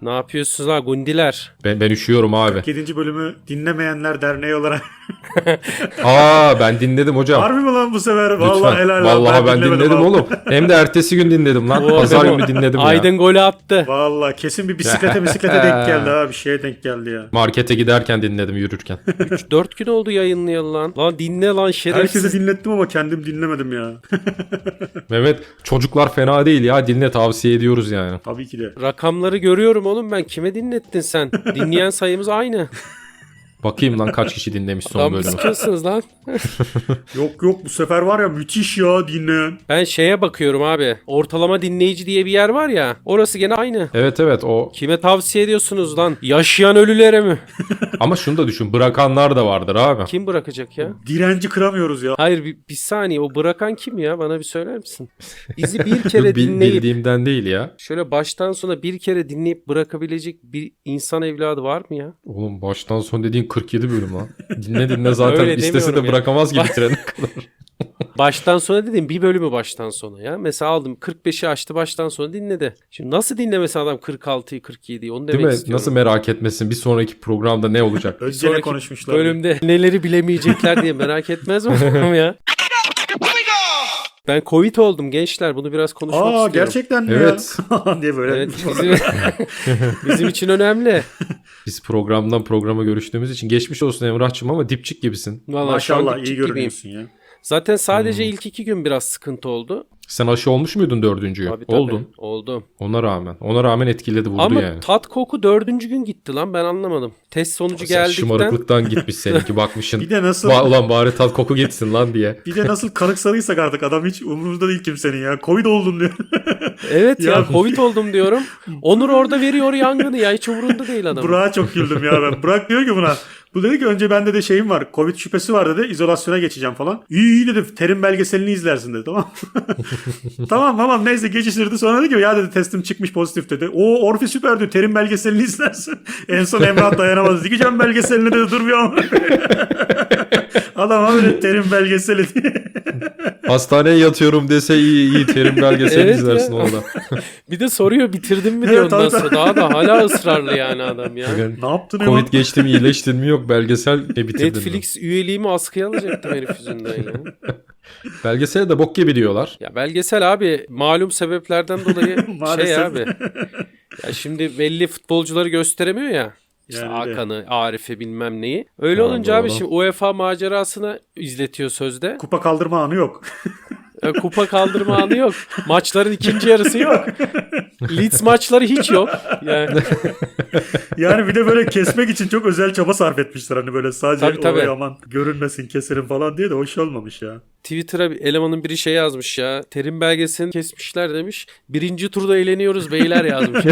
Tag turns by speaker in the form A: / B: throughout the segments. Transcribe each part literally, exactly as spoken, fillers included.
A: Ne yapıyorsunuz ha gundiler?
B: Ben, ben üşüyorum abi.
C: kırk yedinci bölümü dinlemeyenler derneği olarak.
B: Aa ben dinledim hocam.
C: Harbi mi lan bu sefer?
B: Lütfen.
C: Vallahi helal lan.
B: Vallahi ben,
C: dinlemedim
B: dinledim
C: abi.
B: oğlum. Hem de ertesi gün dinledim lan.
A: Oo,
B: Pazar
A: Memo,
B: günü dinledim ya.
A: Aydın golü attı.
C: Vallahi kesin bir bisiklete bisiklete denk geldi ha. Bir şeye denk geldi ya.
B: Markete giderken dinledim yürürken.
A: üç dört gün oldu yayınlayalı lan. Lan dinle lan şerefsiz.
C: Herkese dinlettim ama kendim dinlemedim ya.
B: Mehmet çocuklar fena değil ya. Dinle tavsiye ediyoruz yani.
C: Tabii ki de.
A: Rakamları görüyorum oğlum ben. Kime dinlettin sen? Dinleyen sayımız aynı.
B: Bakayım lan kaç kişi dinlemiş son
A: Lan
B: bölümü.
A: sıkıyorsunuz lan.
C: Yok yok bu sefer var ya müthiş ya dinleyen.
A: Ben şeye bakıyorum abi. Ortalama dinleyici diye bir yer var ya. Orası gene aynı.
B: Evet evet o.
A: Kime tavsiye ediyorsunuz lan? Yaşayan ölülere mi?
B: Ama şunu da düşün. Bırakanlar da vardır abi.
A: Kim bırakacak ya?
C: Direnci kıramıyoruz ya.
A: Hayır bir, bir saniye o bırakan kim ya? Bana bir söyler misin? Bizi bir kere
B: Bil-
A: dinleyip
B: Bildiğimden değil ya.
A: şöyle baştan sona bir kere dinleyip bırakabilecek bir insan evladı var mı ya?
B: Oğlum baştan son dediğin kırk yedi bölüm lan. Dinle dinle zaten
A: Öyle
B: istese de
A: demiyorum ya.
B: bırakamaz gibi bitirene kadar.
A: Baştan sona dedim bir bölümü baştan sona ya. Mesela aldım kırk beşi açtı baştan sona dinledi. Şimdi nasıl dinlemesi adam kırk altıyı kırk yediyi onu demek
B: Değil mi?
A: istiyorum.
B: Nasıl merak etmesin bir sonraki programda ne olacak?
C: Önce ne
A: Sonraki
C: konuşmuşlar?
A: bölümde neleri bilemeyecekler diye merak etmez mi adam ya? Ben Covid oldum gençler bunu biraz konuşmak
C: Aa
A: istiyorum.
C: gerçekten mi
B: Evet.
C: ya? diye böyle.
A: Evet bizim, bizim için önemli.
B: Biz programdan programa görüştüğümüz için geçmiş olsun Emrah'cığım ama dipçik gibisin.
A: Vallahi şu an
C: Maşallah
A: dipçik
C: iyi
A: gibiyim.
C: görünüyorsun ya.
A: Zaten sadece
B: Hmm.
A: ilk iki gün biraz sıkıntı oldu.
B: Sen aşı olmuş muydun dördüncüyü?
A: Tabii, tabii.
B: Oldun.
A: Oldum.
B: Ona rağmen. Ona rağmen etkiledi vurdu
A: Ama
B: yani.
A: tat koku dördüncü gün gitti lan ben anlamadım. Test sonucu
B: Sen
A: geldikten.
B: şımarıklıktan gitmiş seninki bakmışsın.
C: Bir de nasıl
B: Va- ulan bari tat koku gitsin lan diye.
C: bir de nasıl kanıksadıysak artık adam hiç umurunda değil kimsenin ya. Covid oldum diyor.
A: Evet ya,
C: Ya-
A: Covid oldum diyorum. Onur orada veriyor yangını ya hiç umurunda değil adam.
C: Burak'a çok güldüm ya ben. Burak diyor ki buna. Bu dedi ki önce bende de şeyim var. Covid şüphesi var dedi. İzolasyona geçeceğim falan. İyi iyi dedi. Terim belgeselini izlersin dedi. Tamam. tamam tamam neyse geçiştirdi. Sonra dedi ki ya dedi testim çıkmış pozitif dedi. O Orfi süper diyor. Terim belgeselini izlersin. En son Emrah dayanamadı. Dikeceğim belgeselini dedi. Dur bir an. Adam abi terim belgeseli diye.
B: Hastaneye yatıyorum dese iyi iyi terim belgeseli
A: Evet
B: izlersin
A: ya.
B: orada.
A: Bir de soruyor bitirdin mi
C: Evet,
A: diyor ondan
C: tabii,
A: sonra. Daha da hala ısrarlı yani adam ya.
C: Ne yaptın ya?
B: Covid geçti mi iyileştin mi yok belgesel ne bitirdin mi?
A: Netflix üyeliğimi askıya alacaktım herif yüzünden ya.
B: Belgesele de bok gibi diyorlar.
A: Ya belgesel abi malum sebeplerden dolayı şey
C: Maalesef.
A: abi. Ya şimdi belli futbolcuları gösteremiyor ya. İşte
C: Yani de.
A: Hakan'ı, Arif'i bilmem neyi. Öyle
B: Ha,
A: olunca abi
B: doğru.
A: şimdi UEFA macerasını izletiyor sözde.
C: Kupa kaldırma anı yok.
A: E, Kupa kaldırma anı yok. Maçların ikinci yarısı yok. Leeds maçları hiç yok. Yani
C: Yani bir de böyle kesmek için çok özel çaba sarf etmişler. Hani böyle sadece
A: Tabii, tabii.
C: oraya aman görünmesin keserim falan diye de hoş olmamış ya.
A: Twitter'a bir elemanın biri şey yazmış ya. Terim belgeselini kesmişler demiş. Birinci turda eğleniyoruz beyler yazmış.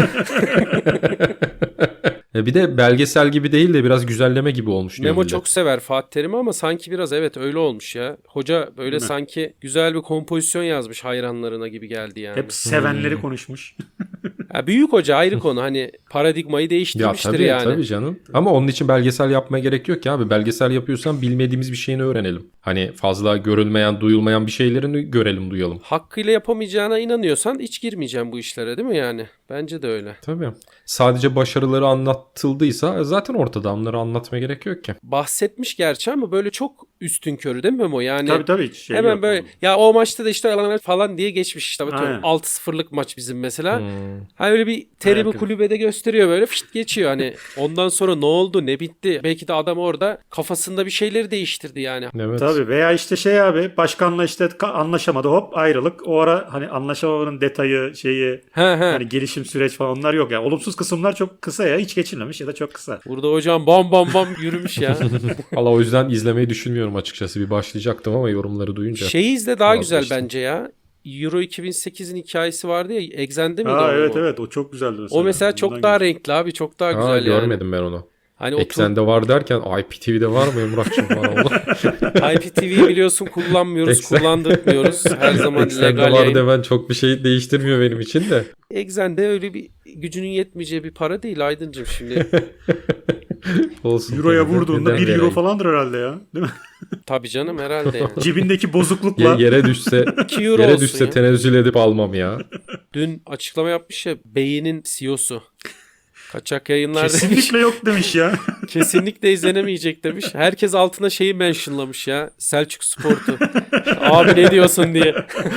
B: E bir de belgesel gibi değil de biraz güzelleme gibi olmuş diyor
A: Memo
B: millet.
A: çok sever Fatih Terim'i ama sanki biraz evet öyle olmuş ya. Hoca böyle
C: Değil mi?
A: sanki güzel bir kompozisyon yazmış hayranlarına gibi geldi yani.
C: Hep sevenleri
B: Hmm.
C: konuşmuş.
A: Ya büyük hoca ayrı konu hani paradigmayı
B: Ya
A: değiştirmiştir
B: tabii
A: yani.
B: tabii canım. Ama onun için belgesel yapmaya gerek yok ki abi. Belgesel yapıyorsan bilmediğimiz bir şeyini öğrenelim. Hani fazla görülmeyen, duyulmayan bir şeylerini görelim, duyalım.
A: Hakkıyla yapamayacağına inanıyorsan hiç girmeyeceğim bu işlere değil mi yani? Bence de öyle.
B: Tabii. Sadece başarıları anlatıldıysa zaten ortada onları anlatmaya gerek yok ki.
A: Bahsetmiş gerçi ama böyle çok üstünkörü değil mi Memo? Yani
C: tabii tabii hiç şey
A: hemen
C: yok.
A: böyle ya o maçta da işte falan diye geçmiş işte. Atıyorum
C: Aynen.
A: altı sıfırlık maç bizim mesela.
B: Hmm.
A: Hani öyle bir terimi
C: Ayak
A: kulübede gösteriyor böyle fışt geçiyor hani. Ondan sonra ne oldu ne bitti. Belki de adam orada kafasında bir şeyleri değiştirdi yani.
B: Evet.
C: Tabii veya işte şey abi başkanla işte ka- anlaşamadı hop ayrılık. O ara hani anlaşamamanın detayı şeyi
A: He he.
C: hani gelişim süreç falan onlar yok yani. Olumsuz kısımlar çok kısa ya hiç geçilmemiş ya da çok kısa.
A: Burada hocam bam bam bam yürümüş ya.
B: Valla o yüzden izlemeyi düşünmüyorum açıkçası. Bir başlayacaktım ama yorumları duyunca.
A: Şeyi izle daha güzel
B: Vazgeçtim.
A: bence ya. Euro iki bin sekizin hikayesi vardı ya. Exxen'de miydi
C: Ha
A: o?
C: evet evet o çok güzeldi mesela.
A: O mesela çok
C: Bundan
A: daha
C: güzel.
A: renkli abi. Çok daha
B: Ha,
A: güzel yani.
B: görmedim ben onu.
A: Hani otur,
B: Eksen'de var derken I P T V'de var mı Emrah'cığım falan?
A: I P T V'yi biliyorsun kullanmıyoruz,
B: Eksen-
A: kullandırmıyoruz. Her zaman
B: Eksen'de
A: legal
B: var
A: yayın.
B: demen çok bir şey değiştirmiyor benim için de.
A: Exxen'de öyle bir gücünün yetmeyeceği bir para değil Aydıncığım şimdi.
B: Olsun.
C: Euroya
B: Neden-
C: vurduğunda
B: neden
C: bir euro
B: vereyim?
C: falandır herhalde ya. Değil mi?
A: Tabii canım herhalde yani.
C: Cebindeki bozuklukla.
B: Ye- yere düşse
A: iki euro
B: yere
A: olsun
B: düşse
A: ya.
B: tenezzül edip almam ya.
A: Dün açıklama yapmış ya Beyin'in C E O'su. Kaçak yayınlar demiş.
C: Kesinlikle yok demiş ya.
A: Kesinlikle izlenemeyecek demiş. Herkes altına şeyi mentionlamış ya. Selçuk Sport'u. Abi ne diyorsun diye.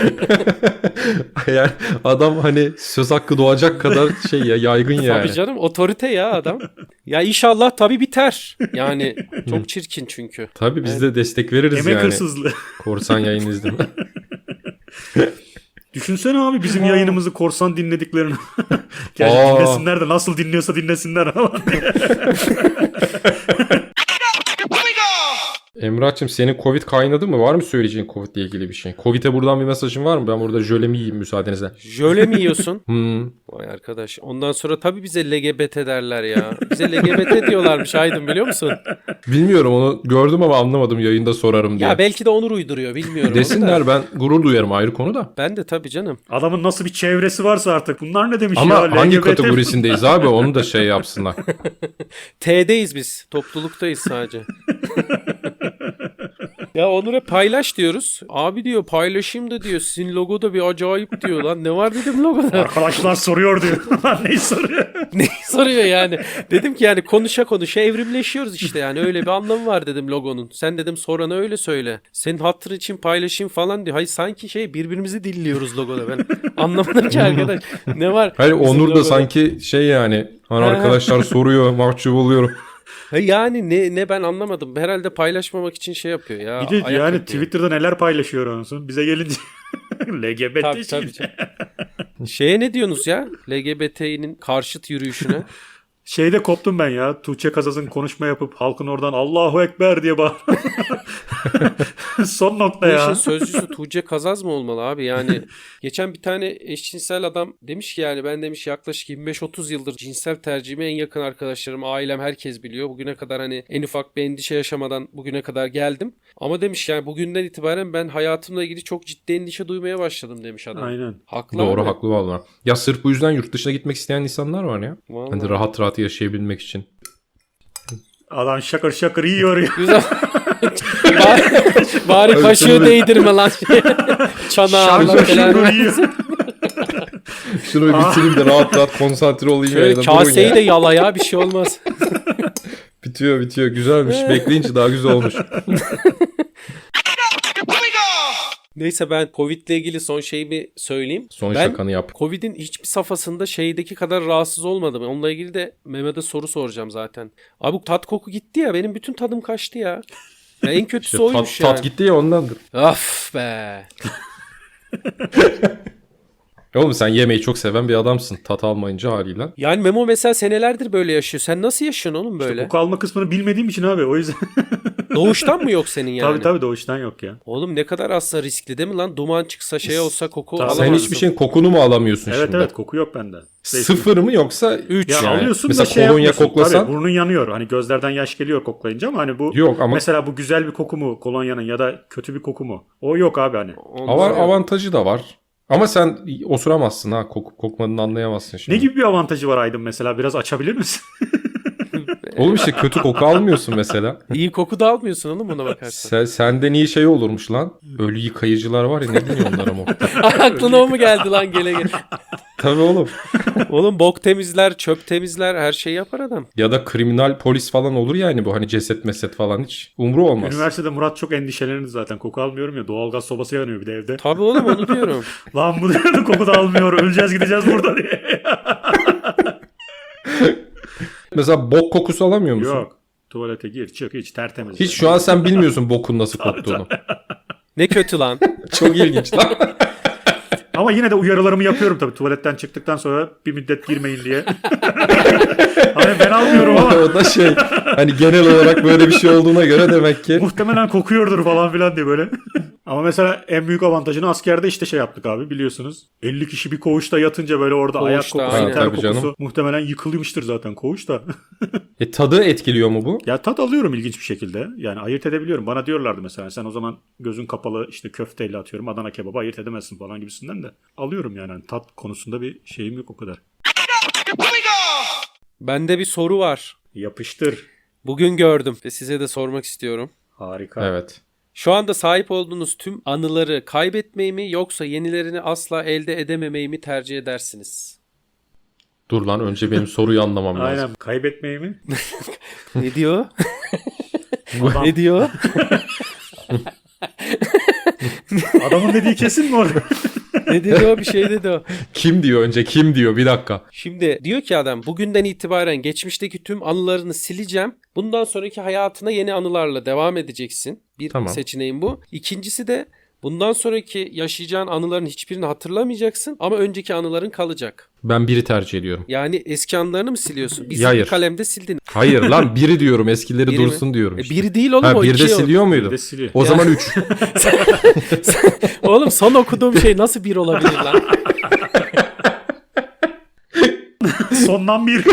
B: Yani adam hani söz hakkı doğacak kadar şey ya, yaygın yani.
A: Tabii canım, otorite ya adam. Ya inşallah tabii biter. Yani çok çirkin çünkü.
B: Tabii biz de destek veririz
C: Emek
B: yani.
C: hırsızlığı.
B: Korsan yayın izleme.
C: Düşünsene abi bizim yayınımızı korsan dinlediklerini. Gerçi
B: Aa.
C: dinlesinler de nasıl dinliyorsa dinlesinler ama.
B: Emrah'cığım senin Covid kaynadı mı? Var mı söyleyeceğin Covid ile ilgili bir şey? Covid'e buradan bir mesajın var mı? Ben burada jölemi yiyeyim müsaadenizle.
A: Jöle mi yiyorsun?
B: Hmm.
A: Vay arkadaş. Ondan sonra tabii bize L G B T derler ya. Bize L G B T diyorlarmış Aydın, biliyor musun?
B: Bilmiyorum, onu gördüm ama anlamadım, yayında sorarım diye.
A: Ya belki de Onur uyduruyor, bilmiyorum. onu da.
B: Desinler, ben gurur duyarım, ayrı konu da.
A: Ben de tabii canım.
C: Adamın nasıl bir çevresi varsa artık. Bunlar ne demiş
B: Ama
C: ya?
B: hangi
C: L G B T mi?
B: kategorisindeyiz abi, onu da şey yapsınlar.
A: T'deyiz biz. Topluluktayız sadece. Ya Onur'a paylaş diyoruz. Abi diyor paylaşayım da diyor. Sizin logo da bir acayip diyor lan. Ne var dedim logoda.
C: Arkadaşlar soruyor diyor. Lan neyi soruyor?
A: Neyi soruyor yani? Dedim ki yani konuşa konuşa evrimleşiyoruz işte yani. Öyle bir anlamı var dedim logonun. Sen dedim sorana öyle söyle. Senin hatırın için paylaşayım falan diyor. Hayır sanki şey birbirimizi dilliyoruz logoda. Ben anlamadım ki arkadaş. Ne var?
B: Hayır,
A: bizim
B: Onur da
A: logoda?
B: sanki şey yani. Hani arkadaşlar soruyor, mahcup oluyorum.
A: Ha yani ne ne ben anlamadım. Herhalde paylaşmamak için şey yapıyor ya.
C: Bir de
A: ayak
C: yani
A: yapıyor.
C: Twitter'da neler paylaşıyor onsun. Bize gelince L G B T
A: Tabii, tabii, tabii. Şeye ne diyorsunuz ya? L G B T'nin karşıt yürüyüşüne.
C: Şeyde koptum ben ya. Tuğçe Kazaz'ın konuşma yapıp halkın oradan Allahu Ekber diye bağır. Son nokta
A: Bu
C: ya.
A: işin sözcüsü Tuğçe Kazaz mı olmalı abi? Yani geçen bir tane eşcinsel adam demiş ki yani ben demiş yaklaşık yirmi beş otuz yıldır cinsel tercihimi en yakın arkadaşlarım, ailem, herkes biliyor. Bugüne kadar hani en ufak bir endişe yaşamadan bugüne kadar geldim. Ama demiş yani bugünden itibaren ben hayatımla ilgili çok ciddi endişe duymaya başladım demiş adam.
C: Aynen.
A: Haklı
B: Doğru,
A: abi.
B: haklı valla. Ya sırf bu yüzden yurt dışına gitmek isteyen insanlar var ya.
A: Vallahi.
B: Hani rahat rahat yaşayabilmek için.
C: Adam şakır şakır yiyor ya.
A: Güzel. bari, bari kaşığı değdirme lan. Çanağına
C: Şakır şakır
A: falan.
C: yiyor.
B: Şunu bir bitireyim de rahat rahat konsantre olayım.
A: Şöyle
B: yayına. Durun
A: kaseyi
B: ya.
A: de yala ya, bir şey olmaz.
B: Bitiyor bitiyor, güzelmiş. Bekleyince daha güzel olmuş.
A: Neyse ben Covid'le ilgili son şeyimi söyleyeyim.
B: Son
A: ben
B: şakanı yap.
A: Covid'in hiçbir safhasında şeydeki kadar rahatsız olmadım. Onunla ilgili de Mehmet'e soru soracağım zaten. Abi bu tat koku gitti ya. Benim bütün tadım kaçtı ya. Ya en kötüsü
B: İşte
A: oymuş
B: tat,
A: yani.
B: tat gitti ya, ondandır.
A: Of be.
B: Oğlum sen yemeği çok seven bir adamsın. Tat almayınca haliyle.
A: Yani Memo mesela senelerdir böyle yaşıyor. Sen nasıl yaşıyorsun oğlum böyle?
C: Koku alma kısmını bilmediğim için abi o yüzden.
A: Doğuştan mı yok senin yani?
C: Tabii tabii doğuştan yok ya.
A: Oğlum ne kadar aslında riskli değil mi lan? Duman çıksa şey olsa koku
C: Tabii.
B: Sen
A: alamazsın.
B: hiçbir şeyin kokunu mu alamıyorsun
C: Evet
B: şimdi?
C: evet koku yok bende.
B: Sıfır mı yoksa
A: Üç.
C: Ya
B: yani.
C: alıyorsun
B: Mesela
C: da şey
B: kolonya
C: yapmıyorsun.
B: koklasan.
C: Tabii burnun yanıyor. Hani gözlerden yaş geliyor koklayınca ama hani bu
B: Yok ama
C: mesela bu güzel bir koku mu kolonyanın ya da kötü bir koku mu? O yok abi hani.
A: Ondan
B: Avar,
A: sonra-
B: avantajı da var. Ama sen osuramazsın ha. Kokup kokmadığını anlayamazsın şimdi.
C: Ne gibi bir avantajı var Aydın mesela? Biraz açabilir misin?
B: Oğlum işte kötü koku almıyorsun mesela.
A: İyi koku da almıyorsun oğlum buna bakarsan.
B: Sen, senden iyi şey olurmuş lan. Ölü yıkayıcılar var ya, ne deniyor onlara mı?
A: Aklına o mu geldi lan gele gele?
B: Tabii oğlum.
A: Oğlum bok temizler, çöp temizler, her şeyi yapar adam.
B: Ya da kriminal polis falan olur yani, bu hani ceset meset falan hiç umru olmaz.
C: Üniversitede Murat çok endişelenirdi zaten. Koku almıyorum ya. Doğalgaz sobası yanıyor bir de evde.
A: Tabii oğlum onu diyorum.
C: Lan bu da koku da almıyor. Öleceğiz gideceğiz burada diye.
B: Mesela bok kokusu alamıyor musun?
C: Yok. Tuvalete gir çık hiç tertemiz.
B: Hiç şu an sen bilmiyorsun bokun nasıl koktuğunu.
A: Ne kötü lan.
B: Çok ilginç lan.
C: Ama yine de uyarılarımı yapıyorum tabii. Tuvaletten çıktıktan sonra bir müddet girmeyin diye. Hani ben almıyorum ama
B: O da şey, hani genel olarak böyle bir şey olduğuna göre demek ki.
C: muhtemelen kokuyordur falan filan diye böyle. Ama mesela en büyük avantajını askerde işte şey yaptık abi biliyorsunuz. elli kişi bir koğuşta yatınca böyle orada ayak
A: Koğuşta,
C: kokusu,
A: aynen.
C: ter
B: Tabii
C: kokusu
B: canım.
C: muhtemelen yıkılmıştır zaten koğuşta.
B: E, tadı etkiliyor mu bu?
C: Ya tat alıyorum ilginç bir şekilde. Yani ayırt edebiliyorum. Bana diyorlardı mesela sen o zaman gözün kapalı işte köfteyle atıyorum Adana kebabı ayırt edemezsin falan gibisinden de. Alıyorum yani. Yani tat konusunda bir şeyim yok o kadar.
A: Bende bir soru var.
C: Yapıştır.
A: Bugün gördüm ve size de sormak istiyorum.
C: Harika.
B: Evet.
A: Şu anda sahip olduğunuz tüm anıları kaybetmeyi mi yoksa yenilerini asla elde edememeyi mi tercih edersiniz?
B: Dur lan önce benim soruyu anlamam lazım.
C: Aynen. Kaybetmeyi mi?
A: Ne diyor?
C: Adam,
A: Ne diyor?
C: adamın dediği kesin mi orada?
A: Ne dedi o? Bir şey dedi o.
B: Kim diyor önce kim diyor bir dakika.
A: Şimdi diyor ki adam bugünden itibaren geçmişteki tüm anılarını sileceğim. Bundan sonraki hayatına yeni anılarla devam edeceksin. Bir
B: Tamam.
A: seçeneğin bu. İkincisi de bundan sonraki yaşayacağın anıların hiçbirini hatırlamayacaksın ama önceki anıların kalacak.
B: Ben biri tercih ediyorum.
A: Yani eski anılarını mı siliyorsun? Bir
B: Hayır.
A: kalemde sildin.
B: Hayır lan biri diyorum eskileri
A: Biri mi?
B: dursun diyorum
A: E,
B: işte.
A: biri değil oğlum
B: Ha
A: o
B: bir de
A: iki o.
B: siliyor
C: Bir
B: muydu?
C: de siliyor.
B: O
A: Ya.
B: zaman üç.
A: Oğlum son okuduğum şey nasıl bir olabilir lan?
C: Sondan bir.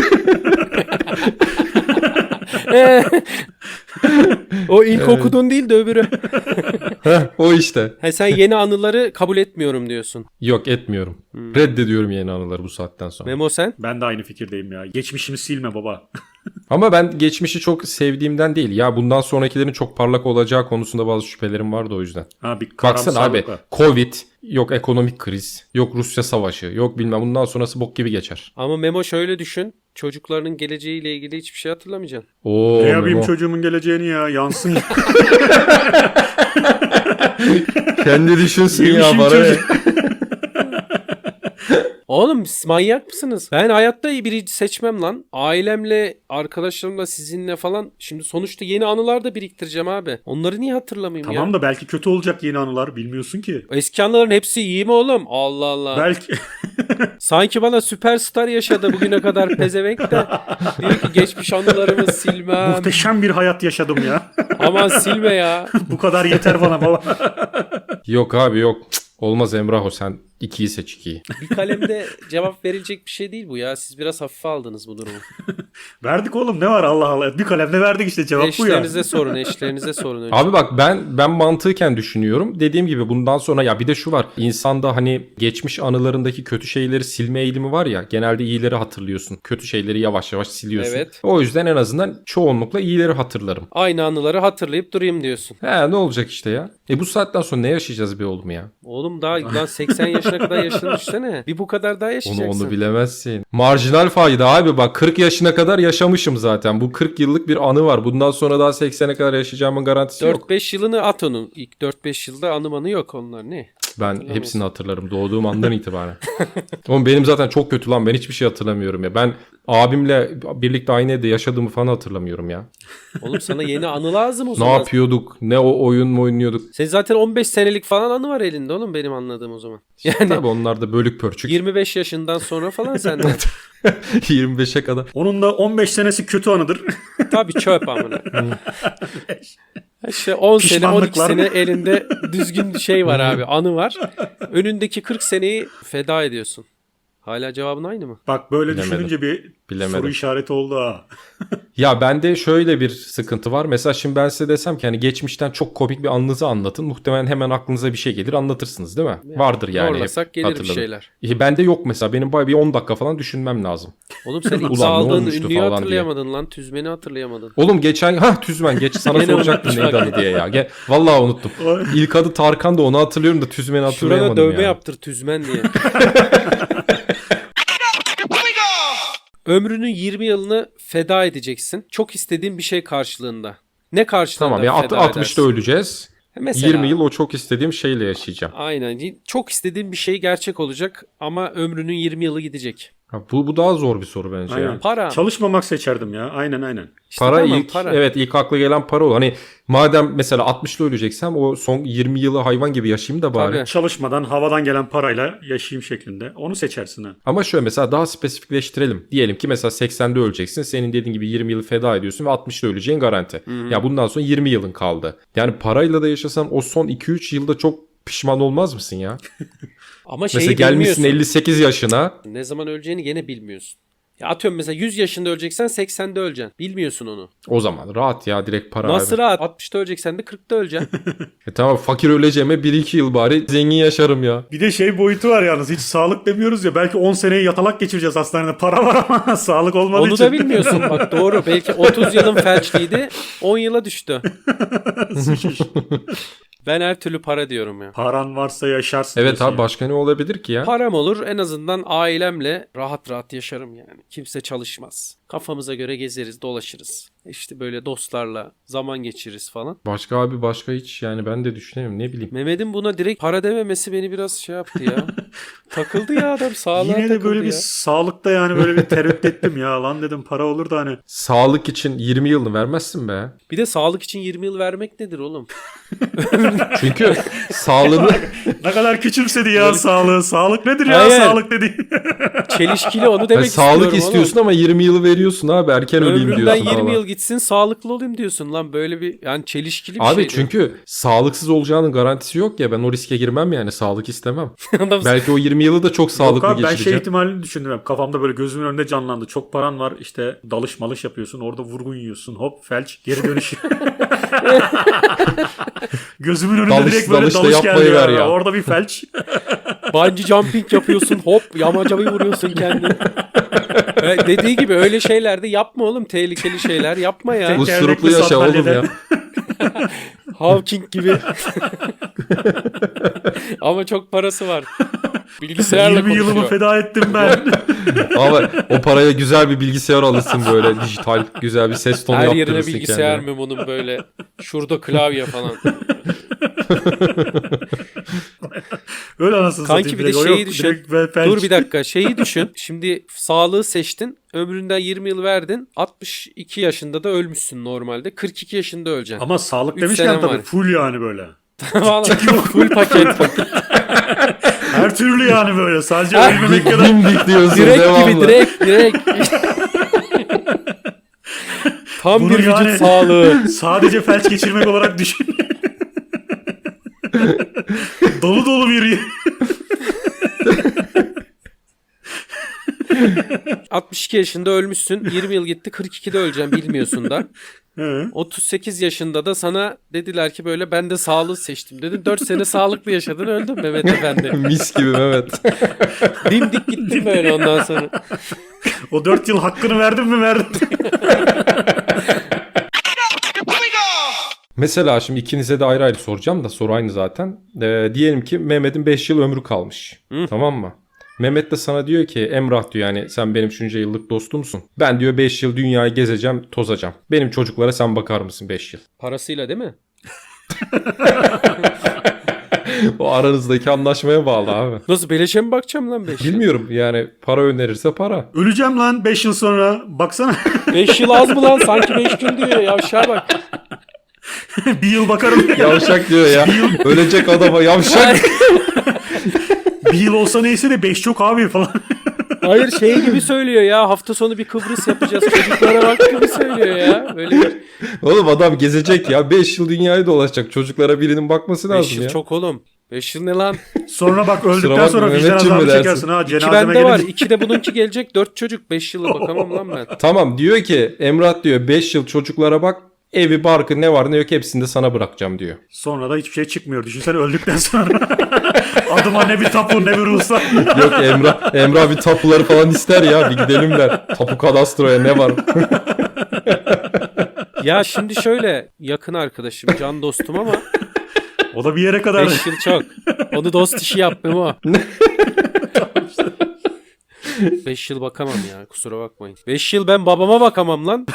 A: O ilk okuduğun değil de öbürü.
B: Heh, o işte.
A: Ha, sen yeni anıları kabul etmiyorum diyorsun.
B: Yok etmiyorum.
A: Hmm.
B: Reddediyorum yeni anıları bu saatten sonra.
A: Memo sen?
C: Ben de aynı fikirdeyim ya. Geçmişimi silme baba.
B: Ama ben geçmişi çok sevdiğimden değil. Ya bundan sonrakilerin çok parlak olacağı konusunda bazı şüphelerim vardı o yüzden.
C: Ha bir
B: Baksana abi
C: karamsarlık var.
B: Covid, yok ekonomik kriz, yok Rusya savaşı, yok bilmem bundan sonrası bok gibi geçer.
A: Ama Memo şöyle düşün. Çocuklarının geleceğiyle ilgili hiçbir şey hatırlamayacaksın.
B: Oo,
C: Ne yapayım
B: Memo.
C: çocuğumun geleceğini ya? Yansın.
B: Kendi düşünsün ya
C: Yemişim
B: bana. ne?
C: çocuk.
A: Oğlum siz manyak mısınız? Ben hayatta iyi biri seçmem lan. Ailemle, arkadaşlarımla, sizinle falan. Şimdi sonuçta yeni anılar da biriktireceğim abi. Onları niye hatırlamayayım
C: Tamam
A: ya?
C: da belki kötü olacak yeni anılar. Bilmiyorsun ki.
A: Eski anıların hepsi iyi mi oğlum? Allah Allah.
C: Belki
A: Sanki bana süperstar yaşadı bugüne kadar pezevenk de. Diyor ki geçmiş anılarımı silmem.
C: muhteşem bir hayat yaşadım ya.
A: Aman silme ya.
C: Bu kadar yeter bana baba.
B: Yok abi yok. Cık, olmaz Emrah o sen ikiyi seç ikiyi.
A: Bir kalemde cevap verilecek bir şey değil bu ya. Siz biraz hafife aldınız bu durumu.
C: Verdik oğlum ne var Allah Allah. Bir kalemde verdik işte cevap bu ya.
A: Eşlerinize sorun, eşlerinize sorun önce.
B: Abi bak ben ben mantıken düşünüyorum. Dediğim gibi bundan sonra ya bir de şu var. İnsanda hani geçmiş anılarındaki kötü şeyleri silme eğilimi var ya. Genelde iyileri hatırlıyorsun. Kötü şeyleri yavaş yavaş siliyorsun.
A: Evet.
B: O yüzden en azından çoğunlukla iyileri hatırlarım.
A: Aynı anıları hatırlayıp durayım diyorsun.
B: He ne olacak işte ya. E bu saatten sonra ne yaşayacağız be oğlum ya?
A: Oğlum daha lan seksen yaşına kadar yaşını düşsene. Bir bu kadar daha
B: Onu
A: yaşayacaksın.
B: onu bilemezsin. Marjinal fayda abi bak kırk yaşına kadar yaşamışım zaten. Bu kırk yıllık bir anı var. Bundan sonra daha seksene kadar yaşayacağımın garantisi yok.
A: dört beş yılını at onun. İlk dört beş yılda anı manı yok onlar ne?
B: Ben hepsini hatırlarım doğduğum andan itibaren. Oğlum benim zaten çok kötü lan ben hiçbir şey hatırlamıyorum ya. Ben abimle birlikte aynı evde yaşadığımı falan hatırlamıyorum ya.
A: Oğlum sana yeni anı lazım o
B: Ne
A: zaman.
B: yapıyorduk? Ne o oyun mu oynuyorduk?
A: Senin zaten on beş senelik falan anı var elinde oğlum benim anladığım o zaman. Yani
B: Tabii onlar da bölük pörçük.
A: yirmi beş yaşından sonra falan senden.
B: yirmi beşe kadar.
C: Onun da on beş senesi kötü anıdır.
A: Tabii çöp amına. İşte on sene on iki
C: Pişmanlıklar.
A: sene elinde düzgün şey var abi anı var. Önündeki kırk seneyi feda ediyorsun. Hala cevabın aynı mı?
C: Bak böyle
B: Bilemedim.
C: düşününce bir
B: Bilemedim.
C: soru işareti oldu ha.
B: Ya bende şöyle bir sıkıntı var. Mesela şimdi ben size desem ki hani geçmişten çok komik bir anınızı anlatın. Muhtemelen hemen aklınıza bir şey gelir anlatırsınız değil mi? Vardır yani. hep
A: Zorlasak gelir bir
B: hatırladım.
A: şeyler.
B: E, bende yok mesela. Benim bayağı bir on dakika falan düşünmem lazım.
A: Oğlum sen
B: Ulan
A: imza
B: ne
A: aldığın
B: olmuştu
A: ünlüyü
B: falan
A: hatırlayamadın lan. Tüzmeni hatırlayamadın.
B: Oğlum geçen ha Tüzmen geç sana
A: Yine
B: soracaktım
A: unutmuş
B: neydi
A: bak.
B: adı diye ya. Gel, vallahi unuttum. İlk adı Tarkan da onu hatırlıyorum da Tüzmen'i
A: Şurada
B: hatırlayamadım
A: dövme
B: ya.
A: yaptır tüzmen diye. Ömrünün yirmi yılını feda edeceksin. Çok istediğin bir şey karşılığında. Ne karşılığında
B: Tamam ya alt-
A: feda
B: altmışta
A: edersin?
B: öleceğiz.
A: Mesela,
B: yirmi yıl o çok istediğim şeyle yaşayacağım.
A: Aynen. Çok istediğin bir şey gerçek olacak ama ömrünün yirmi yılı gidecek.
B: Ha, bu, bu daha zor bir soru bence
C: Aynen.
B: ya.
A: Para.
C: Çalışmamak seçerdim ya. Aynen aynen.
A: İşte
B: Para
A: tamam,
B: ilk
A: para.
B: evet ilk akla gelen para o. Hani madem mesela altmışta öleceksem o son yirmi yılı hayvan gibi yaşayayım da bari.
A: Tabii.
C: Çalışmadan havadan gelen parayla yaşayayım şeklinde. Onu seçersin ha.
B: Ama şöyle mesela daha spesifikleştirelim. Diyelim ki mesela seksende öleceksin. Senin dediğin gibi yirmi yılı feda ediyorsun ve altmışta öleceğin garanti. Ya bundan sonra yirmi yılın kaldı. Yani parayla da yaşasan o son iki üç yılda çok pişman olmaz mısın ya?
A: Ama şeyi
B: Mesela gelmişsin
A: bilmiyorsun.
B: elli sekiz yaşına.
A: Ne zaman öleceğini gene bilmiyorsun. Ya atıyorum mesela yüz yaşında öleceksen seksende öleceksin. Bilmiyorsun onu.
B: O zaman rahat ya direkt para
A: Nasıl
B: abi.
A: rahat? altmışta öleceksen de kırkta öleceksin.
B: E tamam fakir öleceğime bir iki yıl bari zengin yaşarım ya.
C: Bir de şey boyutu var yalnız. Hiç sağlık demiyoruz ya. Belki on seneyi yatalak geçireceğiz hastanede. Para var ama sağlık olmadığı
A: Onu
C: için.
A: da bilmiyorsun bak doğru. Belki otuz yılın felçliydi on yıla düştü. Ben her türlü para diyorum ya.
C: Paran varsa yaşarsın.
B: Evet
C: diyorsun
B: abi
C: ya.
B: başka ne olabilir ki ya?
A: Param olur, en azından ailemle rahat rahat yaşarım yani. Kimse çalışmaz. Kafamıza göre gezeriz, dolaşırız. İşte böyle dostlarla zaman geçiririz falan.
B: Başka abi başka hiç yani ben de düşünemiyorum ne bileyim.
A: Mehmet'in buna direkt para dememesi beni biraz şey yaptı ya. Takıldı ya adam, sağlığa
C: Yine de
A: takıldı
C: böyle
A: ya.
C: bir sağlıkta yani böyle bir tereddüt ettim ya. Lan dedim para olur da hani.
B: Sağlık için yirmi yılını vermezsin be.
A: Bir de sağlık için yirmi yıl vermek nedir oğlum?
B: Çünkü sağlığını
C: Ne kadar küçümsedi ya sağlığı. Sağlık nedir ya
A: Hayır.
C: sağlık dedi.
A: Çelişkili, onu
B: Yani
A: demek
B: sağlık
A: istiyorum
B: istiyorsun ama yirmi yılı veriyorsun abi erken
A: oğlum.
B: öleyim
A: Ömrümden
B: diyorsun
A: yirmi
B: falan.
A: yıl gitsin, sağlıklı olayım diyorsun lan, böyle bir yani çelişkili bir
B: Abi
A: şey.
B: çünkü sağlıksız olacağının garantisi yok ya ben o riske girmem yani sağlık istemem.
A: Adam
B: Belki o yirmi yılı da çok
C: Yok
B: sağlıklı
C: abi, ben şey
B: geçireceğim.
C: ihtimalini düşündüm. Hep. Kafamda böyle gözümün önünde canlandı. Çok paran var işte dalış malış yapıyorsun. Orada vurgun yiyorsun. Hop felç geri dönüş. Gözümün önünde
B: Dalış,
C: direkt böyle
B: dalış da
C: dalış
B: yapmayı
C: geldi
B: ver
C: ya.
B: ya.
C: Orada bir felç.
A: bungee jumping yapıyorsun, hop yamacayı vuruyorsun kendini. Evet, dediği gibi öyle şeyler de yapma oğlum, tehlikeli şeyler yapma ya.
B: Bu
C: Tekerlekli
B: suruplu yaşa oğlum
C: sandalyede.
B: ya.
A: Hawking gibi. Ama çok parası var. Bilgisayarla
C: yirmi yılımı
A: konuşuyor.
C: feda ettim ben.
B: Ama o paraya güzel bir bilgisayar alırsın böyle dijital güzel bir ses tonu
A: Her yerine
B: yaptırırsın
A: bilgisayar
B: kendine.
A: memonun böyle. Şurada klavye falan.
C: Öyle anasını
A: Kanki
C: satayım.
A: bir de
C: direkt. O
A: şeyi
C: yok,
A: düşün.
C: direkt ve felç.
A: Dur bir dakika, şeyi düşün. Şimdi sağlığı seçtin. Ömründen yirmi yıl verdin. altmış iki yaşında da ölmüşsün normalde. kırk iki yaşında öleceksin.
C: Ama sağlık
A: Üç
C: demişken
A: senem
C: tabii
A: var.
C: full yani böyle.
A: Vallahi full paket.
C: Her türlü yani böyle. Sadece
A: Ha,
C: ölmemek kadar.
B: Dimdik diyorsun
A: direkt
B: devamlı.
A: gibi, direkt direkt. Tam
C: Bunu
A: bir vücut
C: yani-
A: sağlığı.
C: Sadece felç geçirmek olarak düşün. dolu dolu bir
A: altmış iki yaşında ölmüşsün. yirmi yıl gitti. kırk ikide öleceksin, bilmiyorsun da.
C: Hı.
A: otuz sekiz yaşında da sana dediler ki böyle, ben de sağlığı seçtim dedin. dört sene sağlıklı yaşadın, öldün Mehmet Efendi.
B: Mis gibi Mehmet.
A: Dimdik gittin böyle ondan sonra.
C: O dört yıl hakkını verdin mi verdin.
B: Mesela şimdi ikinize de ayrı ayrı soracağım da soru aynı zaten. Ee, diyelim ki Mehmet'in beş yıl ömrü kalmış.
A: Hı.
B: Tamam mı? Mehmet de sana diyor ki Emrah diyor yani sen benim şunca yıllık dostumsun. Ben diyor beş yıl dünyayı gezeceğim, tozacağım. Benim çocuklara sen bakar mısın beş yıl?
A: Parasıyla değil mi?
B: O aranızdaki anlaşmaya bağlı abi.
A: Nasıl, beleşe mi bakacağım lan beş yıl?
B: Bilmiyorum yani para önerirse para.
C: Öleceğim lan beş yıl sonra. Baksana.
A: beş yıl az mı lan? Sanki beş gün diyor ya. Aşağı bak.
C: bir yıl bakarım.
B: Yavşak diyor ya. Ölecek adama yavşak.
C: bir yıl olsa neyse de beş çok abi falan.
A: Hayır, şey gibi söylüyor ya. Hafta sonu bir Kıbrıs yapacağız. Çocuklara bak gibi söylüyor ya. Böyle bir...
B: Oğlum adam gezecek ya. beş yıl dünyayı dolaşacak. Çocuklara birinin bakması
A: beş
B: lazım
A: yıl
B: ya.
A: çok oğlum. beş yıl ne lan?
C: Sonra bak
B: Kusura
C: öldükten
B: bakma
C: sonra vicdan
B: Mehmetciğim mi
C: azabı
B: dersin?
C: çekersin ha.
A: İki
C: Cenazeme
A: bende var.
C: gelin.
A: İki de bununki gelecek. Dört çocuk. Beş yıla bakamam lan ben.
B: Tamam diyor ki Emrah diyor beş yıl çocuklara bak. Evi, barkı ne var ne yok hepsini de sana bırakacağım diyor.
C: Sonra da hiçbir şey çıkmıyor. Düşünsene öldükten sonra. Adıma ne bir tapu ne bir ruhsat.
B: Yok Emrah, Emrah bir tapuları falan ister ya. Bir gidelim der. Tapu kadastroya ne var?
A: Ya şimdi şöyle, yakın arkadaşım, can dostum ama
C: O da bir yere kadar.
A: beş yıl çok. Onu dost işi yapmam o. beş yıl bakamam ya, kusura bakmayın. beş yıl ben babama bakamam lan.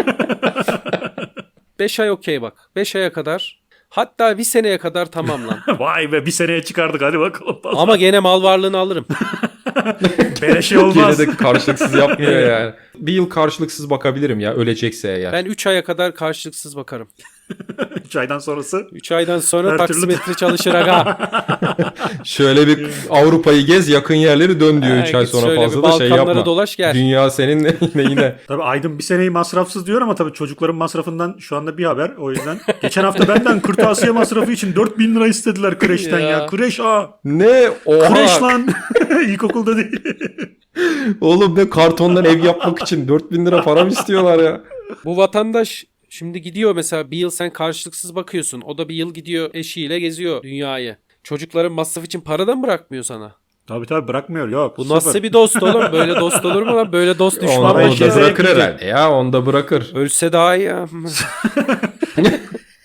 A: beş ay okey bak. beş aya kadar, hatta bir seneye kadar tamam lan.
C: Vay be bir seneye çıkardık hadi bakalım.
A: Ama gene mal varlığını alırım.
C: Beleşe
B: Yine
C: olmaz.
B: de karşılıksız yapmıyor yani. Bir yıl karşılıksız bakabilirim ya ölecekse eğer.
A: Ben üç aya kadar karşılıksız bakarım.
C: üç aydan sonrası.
A: üç aydan sonra
C: Her türlü-
A: taksimetre çalışır aga.
B: Şöyle bir Avrupa'yı gez yakın yerleri dön diyor üç
A: Ha,
B: ay
A: git
B: sonra
A: şöyle
B: fazla
A: bir
B: da şey
A: Balkanlara
B: yapma.
A: dolaş gel.
B: Dünya senin yine yine.
C: Tabii Aydın bir seneyi masrafsız diyor ama tabii çocukların masrafından şu anda bir haber. O yüzden. Geçen hafta benden kırtasiye masrafı için dört bin lira istediler kreşten ya.
A: Ya.
C: Kreş ha.
B: Ne? Oha.
C: Kreş lan. İlkokulda değil.
B: Oğlum ne kartondan ev yapmak için dört bin lira para mı istiyorlar ya?
A: Bu vatandaş şimdi gidiyor mesela, bir yıl sen karşılıksız bakıyorsun. O da bir yıl gidiyor eşiyle geziyor dünyayı. Çocukların masraf için para da mı bırakmıyor sana?
C: Tabii tabii bırakmıyor yok.
A: Bu
C: sıfır.
A: nasıl bir dost oğlum? Böyle dost olur mu lan? Böyle dost düşman
B: Onu,
C: ben
B: onu
A: başı.
C: şey-
B: da bırakır
C: gidecek.
B: herhalde ya onu da bırakır.
A: Ölse daha iyi ya.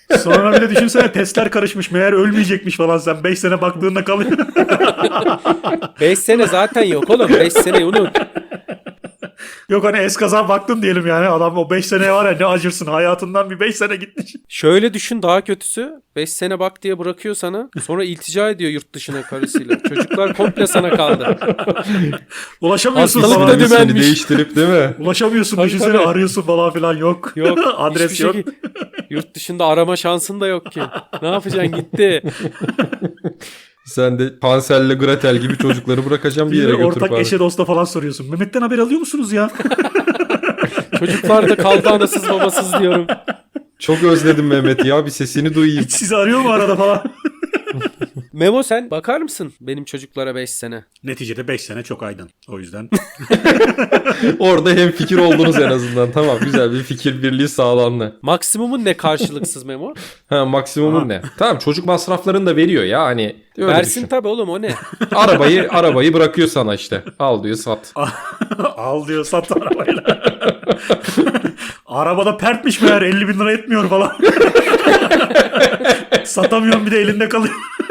C: Sonra bir de düşünsene testler karışmış meğer ölmeyecekmiş falan, sen beş sene baktığında kalıyor.
A: beş sene zaten yok oğlum. beş seneyi unut.
C: Yok hani eskaza baktın diyelim yani, adam o beş seneye var ya ne acırsın, hayatından bir beş sene gitmiş.
A: Şöyle düşün, daha kötüsü. beş sene bak diye bırakıyor sana. Sonra iltica ediyor yurt dışına karısıyla. Çocuklar komple sana kaldı.
C: Ulaşamıyorsun
A: Hastalık
C: falan.
A: da
B: Hangisini
A: dümenmiş.
B: değiştirip değil mi?
C: Ulaşamıyorsun,
A: Tabii,
C: düşünsene,
A: tabii.
C: arıyorsun falan filan, yok.
A: Yok.
C: Adres
A: hiçbir
C: yok.
A: şey- Yurt dışında arama şansın da yok ki. Ne yapacaksın, gitti.
B: Sen de Hansel'le Gretel gibi çocukları bırakacaksın bir
C: Bir
B: yere
C: de
B: götürüp
C: ortak
B: abi.
C: eşe dosta falan soruyorsun. Mehmet'ten haber alıyor musunuz ya?
A: Çocuklar da kaldı anasız babasız diyorum.
B: Çok özledim Mehmet'i ya, bir sesini duyayım.
C: Hiç sizi arıyor mu arada falan?
A: Memo, sen bakar mısın benim çocuklara beş sene?
C: Neticede beş sene çok aydın. O yüzden.
B: Orada hem fikir oldunuz en azından. Tamam, güzel bir fikir birliği sağlandı.
A: Maksimumun ne karşılıksız Memo?
B: Ha, maksimumun
C: Aha.
B: ne? Tamam, çocuk masraflarını da veriyor ya hani. Öyle
A: Versin
B: düşün.
A: tabii oğlum, o ne?
B: Arabayı arabayı bırakıyor sana işte. Al diyor, sat.
C: Al diyor, sat arabayla. Arabada pertmiş meğer, elli bin lira etmiyor falan. Satamıyorum, bir de elinde kalıyor.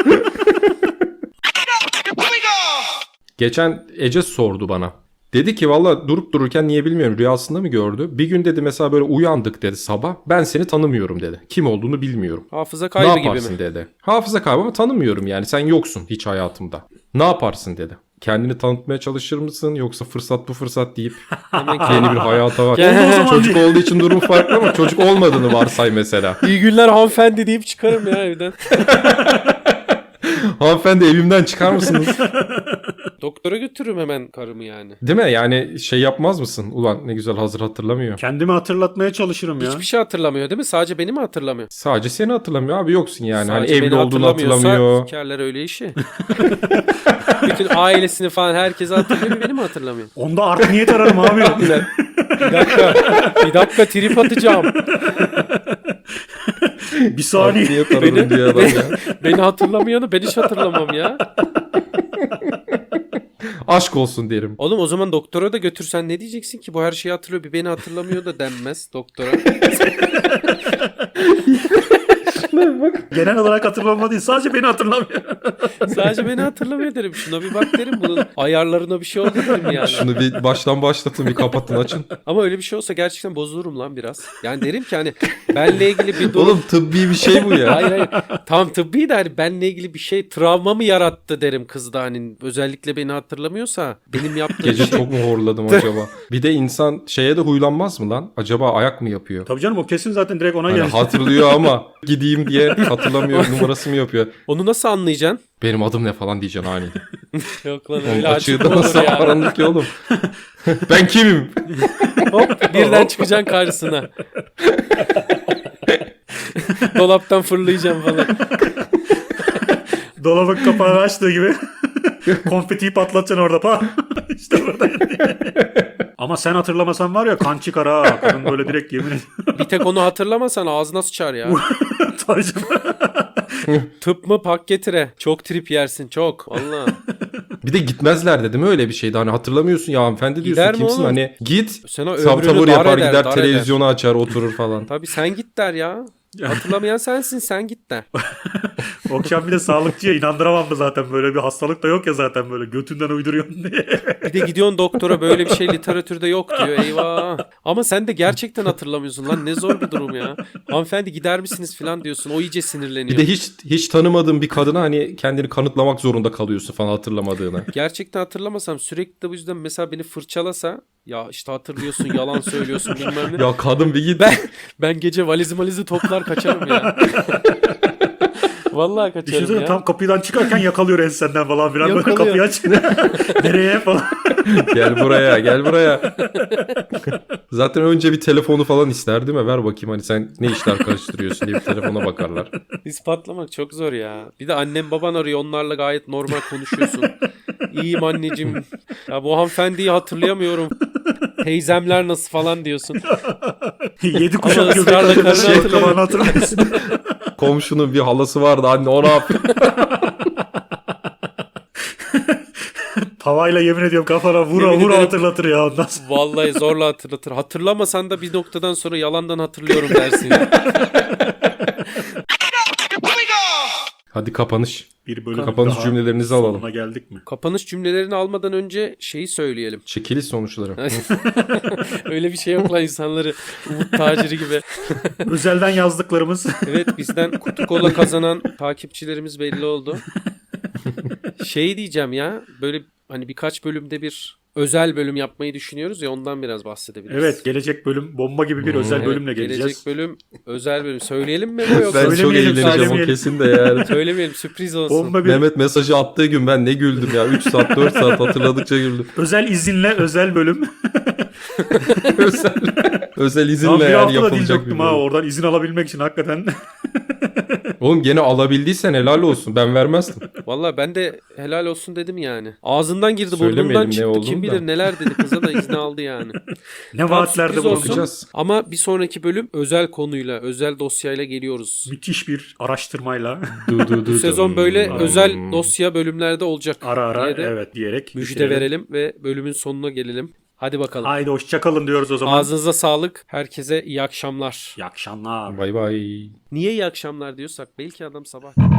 B: Geçen Ece sordu bana. Dedi ki valla durup dururken niye bilmiyorum, rüyasında mı gördü? Bir gün dedi mesela böyle uyandık dedi sabah. Ben seni tanımıyorum dedi. Kim olduğunu bilmiyorum.
A: Hafıza
B: Ne
A: kaybı gibi
B: yaparsın
A: mi?
B: dedi. Hafıza kaybı ama tanımıyorum yani, sen yoksun hiç hayatımda. Ne yaparsın dedi. Kendini tanıtmaya çalışır mısın yoksa fırsat bu fırsat deyip
A: Hemen
B: yeni bir hayata bak.
A: Oldu o
C: zaman
B: Çocuk
C: diye.
B: olduğu için durum farklı ama çocuk olmadığını varsay mesela.
A: İyi günler hanımefendi deyip çıkarım ya evden.
B: Hanımefendi evimden çıkar mısınız?
A: Doktora götürürüm hemen karımı yani.
B: Değil mi? Yani şey yapmaz mısın? Ulan ne güzel, hazır hatırlamıyor.
C: Kendimi hatırlatmaya çalışırım ya.
A: Hiçbir şey hatırlamıyor değil mi? Sadece beni mi hatırlamıyor?
B: Sadece seni hatırlamıyor abi, yoksun yani.
A: Sadece
B: hani evli
A: beni
B: olduğunu
A: hatırlamıyorsa
B: hatırlamıyor.
A: sikerler öyle işi. Bütün ailesini falan herkesi hatırlıyor, beni mi hatırlamıyor?
C: Onda art niyet ararım abi.
A: Bir dakika. Bir dakika, trip atacağım.
C: Bir saniye.
B: Niye tanıdın diye adam ya.
A: Beni hatırlamayanı ben hiç hatırlamam ya.
B: Aşk olsun derim.
A: Oğlum o zaman doktora da götürsen ne diyeceksin ki? Bu her şeyi hatırlıyor, bir beni hatırlamıyor da denmez doktora.
C: Genel olarak hatırlamama değil, sadece beni hatırlamıyor.
A: Sadece beni hatırlamıyor derim. Şuna bir bak derim, bunun ayarlarına bir şey oldu derim yani.
B: Şunu bir baştan başlatın, bir kapatın, açın.
A: Ama öyle bir şey olsa gerçekten bozulurum lan biraz. Yani derim ki hani benle ilgili bir durum...
B: Oğlum tıbbi bir şey bu ya.
A: Hayır hayır. Tamam, tıbbi de hani benle ilgili bir şey travma mı yarattı derim kız da, hani özellikle beni hatırlamıyorsa benim yaptığım
B: Gece
A: şey...
B: çok mu horladım acaba? Bir de insan şeye de huylanmaz mı lan? Acaba ayak mı yapıyor?
C: Tabii canım, o kesin zaten direkt ona
B: Hani
C: geldi.
B: hatırlıyor ama gideyim diye hatırlamıyor, numarası mı yapıyor?
A: Onu nasıl anlayacaksın?
B: Benim adım ne falan diyeceksin hani.
A: Yok lan,
B: Onun
A: öyle açık
B: açığı da
A: mı olur
B: nasıl
A: ya?
B: arandık ki oğlum? Ben kimim?
A: Hop birden çıkacaksın karşısına. Dolaptan fırlayacağım falan.
C: Dolabın kapağını açtığı gibi konfetiyi patlatacaksın orada. Pa. İşte orada. Ama sen hatırlamasan var ya, kan çıkar ha. Kadın böyle direkt yemin ediyor.
A: Bir tek onu hatırlamasan ağzına sıçar ya.
C: Tabii canım.
A: Tıp mı pak getire. Çok trip yersin çok. Valla.
B: Bir de gitmezler dedim öyle bir şeydi. Hani hatırlamıyorsun ya hanımefendi diyorsun,
A: Gider mi
B: kimsin?
A: oğlum?
B: Hani git.
A: Sana
B: Tam
A: ömrünü
B: tavır
A: dar
B: yapar
A: eder,
B: gider
A: dar
B: televizyonu açar oturur falan.
A: Tabii sen git der ya. Hatırlamayan sensin, sen git der.
C: O akşam bir de sağlıkçıya inandıramam da zaten, böyle bir hastalık da yok ya zaten, böyle götünden uyduruyorsun diye.
A: Bir de gidiyorsun doktora, böyle bir şey literatürde yok diyor. Eyvah. Ama sen de gerçekten hatırlamıyorsun lan, ne zor bir durum ya. Hanımefendi gider misiniz falan diyorsun. O iyice sinirleniyor.
B: Bir de hiç hiç tanımadığın bir kadına hani kendini kanıtlamak zorunda kalıyorsun falan hatırlamadığını.
A: Gerçekten hatırlamasam sürekli de bu yüzden mesela beni fırçalasa, ya işte hatırlıyorsun, yalan söylüyorsun bilmem ne.
B: Ya kadın bir git.
A: Ben ben gece valizi valizi toplar kaçarım ya. Vallahi kaçarım
C: Düşünsene
A: ya.
C: tam kapıdan çıkarken yakalıyor ensenden falan filan. Böyle
A: Yakalıyor.
C: kapıyı aç. Nereye falan.
B: Gel buraya, gel buraya. Zaten önce bir telefonu falan ister değil mi? Ver bakayım hani sen ne işler karıştırıyorsun diye bir telefona bakarlar.
A: İspatlamak çok zor ya. Bir de annem baban arıyor, onlarla gayet normal konuşuyorsun. İyiyim anneciğim. Ya bu hanımefendiyi hatırlayamıyorum. Teyzemler nasıl falan diyorsun.
C: Yedi
A: Ama
C: kuşak göbek
A: ısrarla
C: atıyor.
A: karını
C: Şey,
A: hatırlamıyor.
C: kabağını hatırlamıyorsun.
B: Komşunun bir halası vardı anne, o ne yapıyor?
C: Tavayla yemin ediyorum kafana vura
A: Yemin
C: vura
A: ederim.
C: hatırlatır ya ondan sonra.
A: Vallahi zorla hatırlatır. Hatırlamasan da bir noktadan sonra yalandan hatırlıyorum dersin. Ya.
B: Hadi kapanış.
C: Bir bölüm
B: Kapanış
C: daha
B: cümlelerinizi alalım.
C: sonuna geldik mi?
A: Kapanış cümlelerini almadan önce şeyi söyleyelim.
B: Çekiliş sonuçları.
A: Öyle bir şey yok lan insanları umut taciri gibi.
C: Özelden yazdıklarımız.
A: Evet, bizden kutu kola kazanan takipçilerimiz belli oldu. Şey diyeceğim ya, böyle hani birkaç bölümde bir özel bölüm yapmayı düşünüyoruz ya, ondan biraz bahsedebiliriz.
C: Evet, gelecek bölüm bomba gibi bir
B: Hmm.
C: özel
A: Evet,
C: bölümle geleceğiz.
A: Gelecek bölüm özel bölüm. Söyleyelim mi bu yoksa?
B: Ben çok
C: Söylemeyelim,
B: eğleneceğim o
C: söylemeyelim.
B: kesin de yani.
A: Söylemeyelim, sürpriz olsun.
C: Bomba bir
B: Mehmet mesajı attığı gün ben ne güldüm ya. üç saat dört saat hatırladıkça güldüm.
C: özel izinle özel bölüm.
B: özel, özel
C: Lan
B: izinle
C: bir
B: yani
C: hafta da
B: yapılacak bir
C: diyecektim ha
B: bölüm.
C: oradan izin alabilmek için hakikaten.
B: Oğlum gene alabildiysen helal olsun. Ben vermezdim.
A: Valla ben de helal olsun dedim yani. Ağzından girdi,
B: Söylemeyelim
A: burnundan
B: ne
A: çıktı.
B: olduğunu
A: Kim
B: da.
A: bilir neler dedi, kıza da izni aldı yani.
C: Ne
A: Tam
C: vaatlerde
A: sürpriz
C: bulundu.
A: olsun.
B: Bakacağız.
A: Ama bir sonraki bölüm özel konuyla, özel dosyayla geliyoruz.
C: Müthiş bir araştırmayla
B: Du, du, du,
A: Bu
B: du.
A: sezon böyle
B: Hmm.
A: özel dosya bölümlerde olacak.
C: ara ara
A: diye de
C: evet diyerek.
A: müjde
C: bitirelim.
A: verelim ve bölümün sonuna gelelim. Hadi bakalım.
C: Haydi hoşçakalın diyoruz o zaman.
A: Ağzınıza sağlık. Herkese iyi akşamlar.
C: İyi akşamlar.
B: Bay bay.
A: Niye iyi akşamlar diyorsak belki adam sabah